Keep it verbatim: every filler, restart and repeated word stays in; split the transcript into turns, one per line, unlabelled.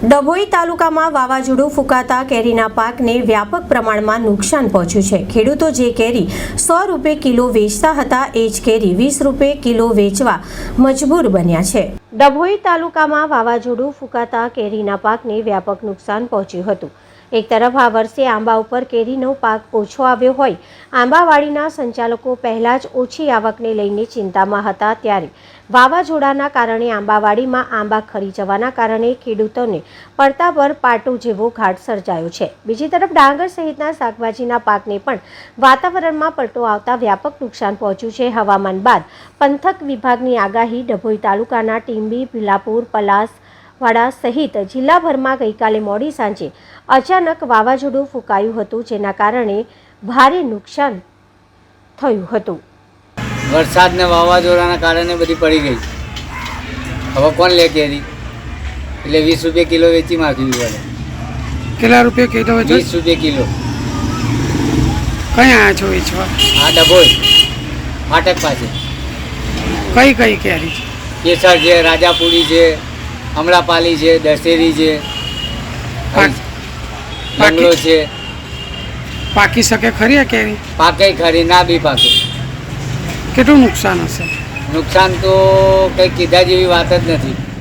ડભોઈ તાલુકામાં વાવાઝોડું ફૂંકાતા કેરીના પાકને વ્યાપક પ્રમાણમાં નુકસાન પહોંચ્યું છે। ખેડૂતો જે કેરી સો રૂપિયા કિલો વેચતા હતા એ જ કેરી વીસ રૂપિયા કિલો વેચવા મજબૂર બન્યા છે। ડભોઈ તાલુકામાં વાવાઝોડું ફૂંકાતા કેરીના પાકને વ્યાપક નુકસાન પહોંચ્યું હતું। એક તરફ આ વર્ષે આંબા ઉપર કેરીનો પાક ઓછો આવ્યો હોય આંબાવાડીના સંચાલકો પહેલા જ ઓછી આવકને લઈને ચિંતામાં હતા, ત્યારે વાવાઝોડાના કારણે આંબાવાડીમાં આંબા ખરી જવાના કારણે ખેડૂતોને પડતા પર પાટો જેવો ઘાટ સર્જાયો છે। બીજી તરફ ડાંગર સહિતના શાકભાજીના પાકને પણ વાતાવરણમાં પલટો આવતા વ્યાપક નુકસાન પહોંચ્યું છે। હવામાન બાદ પંથક વિભાગની આગાહી ડભોઈ તાલુકાના ટીંબી, ભીલાપુર, પલાસ વાડા સહિત જિલ્લાભરમાં ગઈકાલે મોડી સાંજે અચાનક વાવાઝોડું ફૂંકાયું હતું, જેના કારણે ભારે નુકસાન થયું હતું।
વરસાદ ને વાવાઝોડાના કારણે બધી પડી ગઈ। હવે કોણ લે કેરી? એટલે વીસ રૂપિયા કિલો વેચી માગવી પડે।
કેટલા રૂપિયા કિલો વેચો?
વીસ રૂપિયા કિલો।
કઈ આયા છો વેચવા?
આ ડભોઈ ફાટક પાસે।
કઈ કઈ કેરી છે?
કેસર છે, રાજાપુરી છે, અમરાપાલી છે, દશેરી છે, બંગલો છે।
પાકી શકે ખરી આ કેરી?
પાકે ખરી, ના બી પાકે।
કેટલું નુકસાન હશે?
નુકસાન તો કંઈ કીધા જેવી વાત જ નથી।